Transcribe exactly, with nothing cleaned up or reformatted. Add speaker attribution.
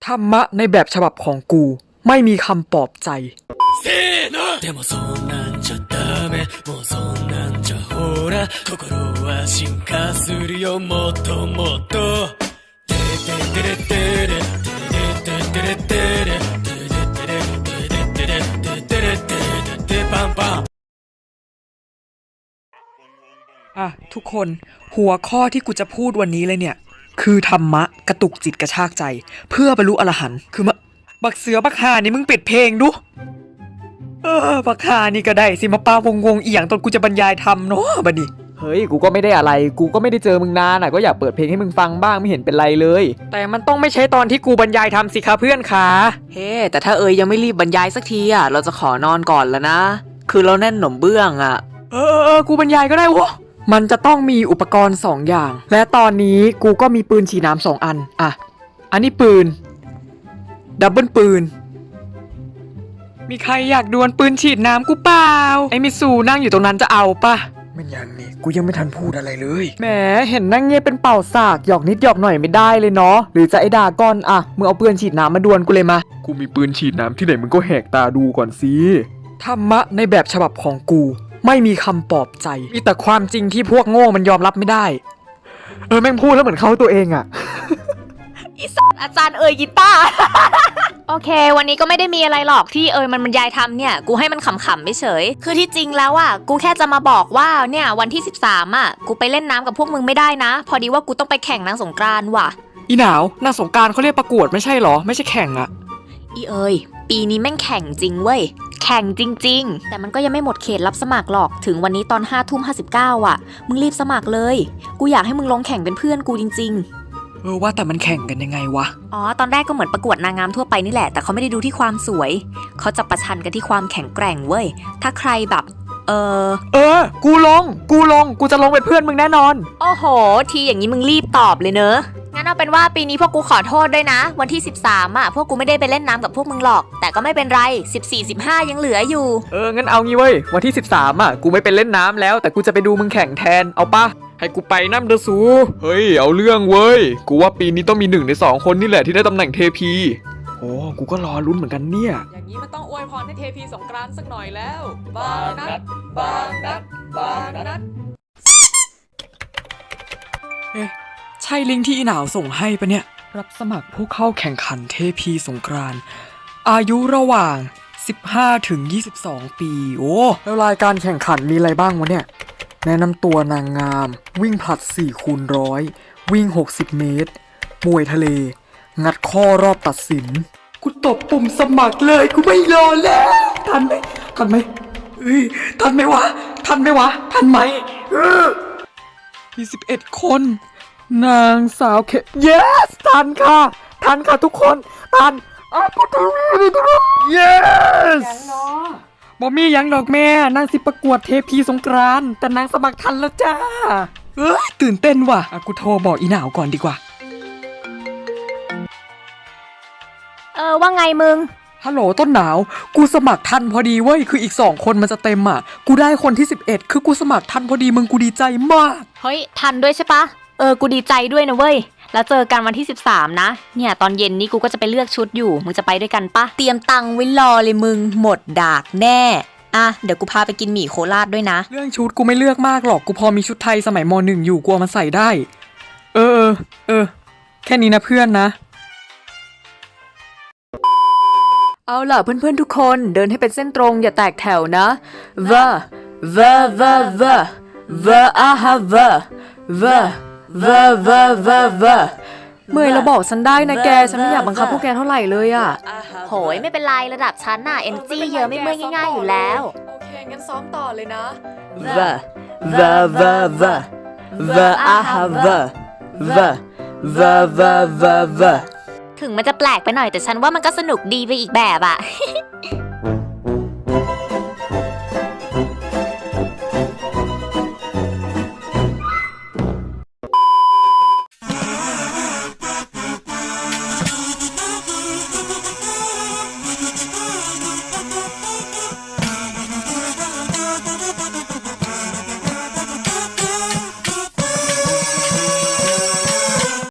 Speaker 1: ธรรมะในแบบฉบับของกูไม่มีคำปลอบใจ
Speaker 2: でもそんなんじゃダメもうそんなんじゃほら心は進化するよもっともっとテレテレテレテレテレテレテレテレテレテレテレテレテレテレパンパン
Speaker 1: อ่ะทุกคนหัวข้อที่กูจะพูดวันนี้เลยเนี่ยคือธรรมะกระตุกจิตกระชากใจเพื่อบรรลุอรหันต์คือมะบักเสือบักหานี่มึงปิดเพลงดูเออบักหานี่ก็ได้สิมาปาวงวงอีหยังตอนกูจะบรรยายธรรมเนาะบัดนี้
Speaker 3: เฮ้ยกูก็ไม่ได้อะไรกูก็ไม่ได้เจอมึงนานอ่ะก็อยากเปิดเพลงให้มึงฟังบ้างไม่เห็นเป็นไรเลย
Speaker 1: แต่มันต้องไม่ใช่ตอนที่กูบรรยายธรรมสิคะเพื่อนขา
Speaker 4: เฮ้ hey, แต่ถ้าเอ๋ยยังไม่รีบบรรยายสักทีอ่ะเราจะขอนอนก่อนแล้วนะคือเราแน่นหนมเบื้องอ่ะ
Speaker 1: เออเออกูบรรยายก็ได้วะมันจะต้องมีอุปกรณ์สองอย่างและตอนนี้กูก็มีปืนฉีดน้ำสองอันอ่ะอันนี้ปืนดับเบิลปืนมีใครอยากดวลปืนฉีดน้ำกูเปล่าไอ้มิสูนั่งอยู่ตรงนั้นจะเอาปะมันยังนี่กูยังไม่ทันพูดอะไรเลยแหมเห็นนั่งเงียบเป็นเป่าสากหยอกนิดหยอกหน่อยไม่ได้เลยเนาะหรือจะไอ้ดาก้อนอ่ะมึงเอาปืนฉีดน้ำมาดวลกูเลยมา
Speaker 3: กูมีปืนฉีดน้ำที่ไหนมึงก็แหกตาดูก่อนสิ
Speaker 1: ธรรมะในแบบฉบับของกูไม่มีคำปลอบใจมีแต่ความจริงที่พวกโง่มันยอมรับไม่ได้เออแม่งพูดแล้วเหมือนเขาตัวเองอะ
Speaker 5: อีสัตว์อาจารย์เอ๋ยกีตาร์ โอเควันนี้ก็ไม่ได้มีอะไรหรอกที่เอ๋ยมันบรรยายทำเนี่ยกูให้มันขำๆไม่เฉยคือที่จริงแล้วอ่ะกูแค่จะมาบอกว่าเนี่ยวันที่สิบสามอ่ะกูไปเล่นน้ำกับพวกมึงไม่ได้นะพอดีว่ากูต้องไปแข่งนางสงกรานต์ว่ะ
Speaker 1: อีหนาวนางสงกรานต์เขาเรียกประกวดไม่ใช่หรอไม่ใช่แข่งอะ
Speaker 5: อีเอ๋ยปีนี้แม่งแข่งจริงเว้ยแข่งจริงๆแต่มันก็ยังไม่หมดเขตรับสมัครหรอกถึงวันนี้ตอนห้าทุ่มห้าสิบเก้าอ่ะมึงรีบสมัครเลยกูอยากให้มึงลงแข่งเป็นเพื่อนกูจริงๆ
Speaker 1: เออว่าแต่มันแข่งกันยังไงวะ
Speaker 5: อ๋อตอนแรกก็เหมือนประกวดนางงามทั่วไปนี่แหละแต่เขาไม่ได้ดูที่ความสวยเขาจะประชันกันที่ความแข็งแกร่งเว้ยถ้าใครแบบเออ
Speaker 1: เออกูลงกูลงกูจะลงเป็นเพื่อนมึงแน่นอน
Speaker 5: โอ้โหทีอย่างนี้มึงรีบตอบเลยเนอะงั้นเอาเป็นว่าปีนี้พวกกูขอโทษด้วยนะวันที่สิบสามอ่ะพวกกูไม่ได้ไปเล่นน้ำกับพวกมึงหรอกแต่ก็ไม่เป็นไรสิบสี่ สิบห้ายังเหลืออยู่
Speaker 1: เอองั้นเอางี้เว้ยวันที่สิบสามอ่ะกูไม่ไปเล่นน้ำแล้วแต่กูจะไปดูมึงแข่งแทนเอาปะให้กูไปน้ำเดสู
Speaker 3: เฮ้ยเอาเรื่องเว้ยกูว่าปีนี้ต้องมีหนึ่งในสองคนนี่แหละที่ได้ตำแหน่งเทพีโอ้กูก็รอลุ้นเหมือนกันเนี่ย
Speaker 1: อย่างนี้มันต้องอวยพรให้เทพีสงกรานต์สักหน่อยแล้วบางนัดบางนัดบางนัดเอ๊ะใช่ลิงก์ที่อีหนาวส่งให้ปะเนี่ยรับสมัครผู้เข้าแข่งขันเทพีสงกรานต์อายุระหว่างสิบห้าถึงยี่สิบสองปีโอ้แล้วรายการแข่งขันมีอะไรบ้างวะเนี่ยแนะนำตัวนางงามวิ่งผลัดสี่คูณร้อยวิ่งหกสิบเมตรมวยทะเลงัดข้อรอบตัดสินกูตบปุ่มสมัครเลยกูไม่รอแล้วทันไหมทันไหมเฮ้ยทันไหมวะทันไหมวะทันไหมเออมีสิบเอ็ดคนนางสาวเค yes ทันค่ะทันค่ะทุกคนทันอ้าวกูทัน yes ยังเนาะบอมี่ยังดอกแม่นางสิประกวดเทพีสงกรานต์แต่นางสมัครทันแล้วจ้าเอ้ยตื่นเต้นว่ะอ่ะกูโทรบอกอีหนาวก่อนดีกว่า
Speaker 5: เออว่าไงมึง
Speaker 1: ฮัลโหลต้นหนาวกูสมัครทันพอดีเว้ยคืออีกสองคนมันจะเต็มอ่ะกูได้คนที่สิบเอ็ดคือกูสมัครทันพอดีมึงกูดีใจมาก
Speaker 5: เฮ้ยทันด้วยใช่ปะเออกูดีใจด้วยนะเว้ยแล้วเจอกันวันที่สิบสามนะเนี่ยตอนเย็นนี้กูก็จะไปเลือกชุดอยู่มึงจะไปด้วยกันปะเตรียมตังค์ไว้รอเลยมึงหมดดากแน่อ่ะเดี๋ยวกูพาไปกินหมี่โคราชด้วยนะ
Speaker 1: เรื่องชุดกูไม่เลือกมากหรอกกูพอมีชุดไทยสมัยม.หนึ่ง อยู่กูเอามาใส่ได้เออเออเออแค่นี้นะเพื่อนนะเอาล่ะเพื่อนๆทุกคนเดินให้เป็นเส้นตรงอย่าแตกแถวนะวะวะวะวะวะอาฮะวะวะวะวะวะวะเมื่อยเราบอกฉันได้นะแกฉันไม่อยากบังคับพวกแกเท่าไหร่เลยอ่ะ
Speaker 5: โหยไม่เป็นไรระดับฉันน่ะเอเนจีเยอะไม่เมื่อยง่ายๆอยู่แล้ว
Speaker 1: โอเคงั้นซ้อมต่อเลยนะ
Speaker 3: วะวะวะวะวะอาฮะวะวะวะวะวะวะ
Speaker 5: ถึงมันจะแปลกไปหน่อยแต่ฉันว่ามันก็สนุกดีไปอีกแบบอะ